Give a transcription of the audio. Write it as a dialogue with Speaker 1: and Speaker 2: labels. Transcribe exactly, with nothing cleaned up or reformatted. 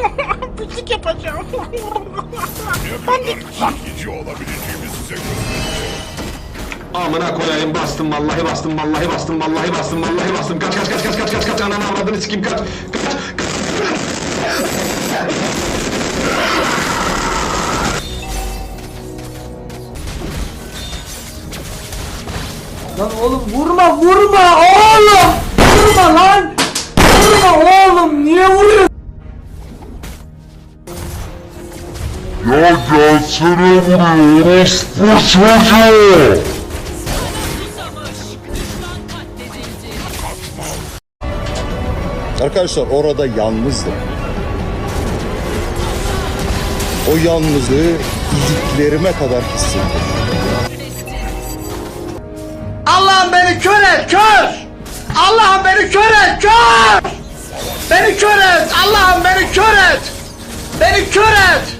Speaker 1: Pislik yapacağım.
Speaker 2: Ne kadar çekici olabileceğimi size göstereceğim.
Speaker 3: Amına koyayım, bastım vallahi bastım vallahi bastım vallahi bastım vallahi bastım. Kaç kaç kaç kaç kaç kaç kaç ananı avradını sikeyim, kaç kaç kaç.
Speaker 4: Lan oğlum vurma vurma oğlum! Vurma lan! Vurma oğlum, niye vuruyorsun?
Speaker 5: Ya gelsene buraya orospu çocuğu!
Speaker 6: Arkadaşlar orada yalnızdım. O yalnızlığı iliklerime kadar hissettim.
Speaker 4: Allah'ım beni kör et, kör! Allah'ım beni kör et, kör! Beni kör et! Allah'ım beni kör et! Beni kör et!